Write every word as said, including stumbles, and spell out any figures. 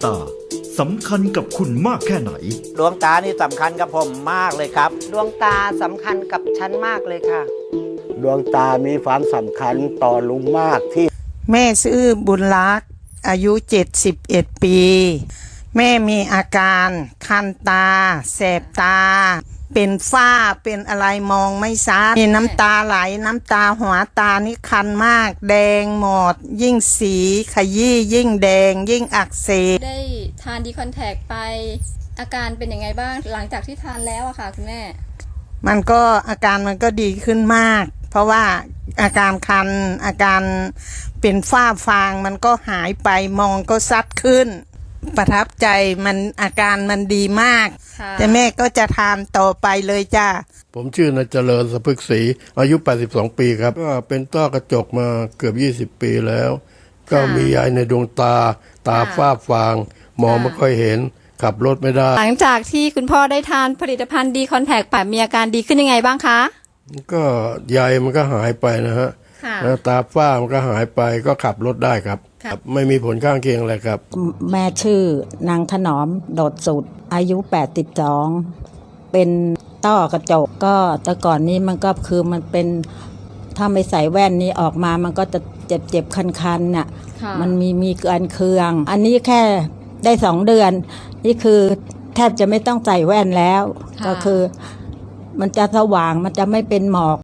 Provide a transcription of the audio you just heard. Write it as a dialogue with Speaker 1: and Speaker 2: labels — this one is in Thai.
Speaker 1: ตาสำคัญกับคุณมากแค่ไหน
Speaker 2: ดวงตานี่สำคัญกับผมมากเลยครับ
Speaker 3: ดวงตาสำคัญกับฉันมากเลยค่ะ
Speaker 4: ดวงตามีความสำคัญต่อลุงมากที่
Speaker 5: แม่ชื่อบุญรักษ์อายุเจ็ดสิบเอ็ดปีแม่มีอาการคันตาแสบตาเป็นฝ้าเป็นอะไรมองไม่ชัดมีน้ำตาไหลน้ำตาหัวตานี่คันมากแดงหมดยิ่งสีขยี้ยิ่งแดงยิ่งอักเสบ
Speaker 6: ได้ทานดีคอนแทคไปอาการเป็นยังไงบ้างหลังจากที่ทานแล้วอะค่ะคุณแม่
Speaker 5: มันก็อาการมันก็ดีขึ้นมากเพราะว่าอาการคันอาการเป็นฝ้าฟางมันก็หายไปมองก็ชัดขึ้นประทับใจมันอาการมันดีมากแต่แม่ก็จะทานต่อไปเลยจ้า
Speaker 7: ผมชื่อนายเจริญสะพึกศรีอายุแปดสิบสองปีครับก็เป็นต้อกระจกมาเกือบยี่สิบปีแล้วก็มียายในดวงตาตาฝ้าฟางมองไม่ค่อยเห็นขับรถไม่ได้
Speaker 6: หลังจากที่คุณพ่อได้ทานผลิตภัณฑ์ดีคอนแทคไปมีอาการดีขึ้นยังไงบ้างคะ
Speaker 7: ก็ใยมันก็หายไปนะฮะแล้วตาฝ้ามันก็หายไปก็ขับรถได้ครับไม่มีผลข้างเคียงอะไรครับ
Speaker 8: แม่ชื่อนางถนอมโดดสุดอายุแปดสิบสองเป็นต้อกระจกก็แต่ก่อนนี้มันก็คือมันเป็นถ้าไม่ใส่แว่นนี้ออกมามันก็จะเจ็บเจ็บคันๆน่ะมันมีมีเกินเคืองอันนี้แค่ได้สองเดือนนี่คือแทบจะไม่ต้องใส่แว่นแล้วก็คือมันจะสว่างมันจะไม่เป็นหมอก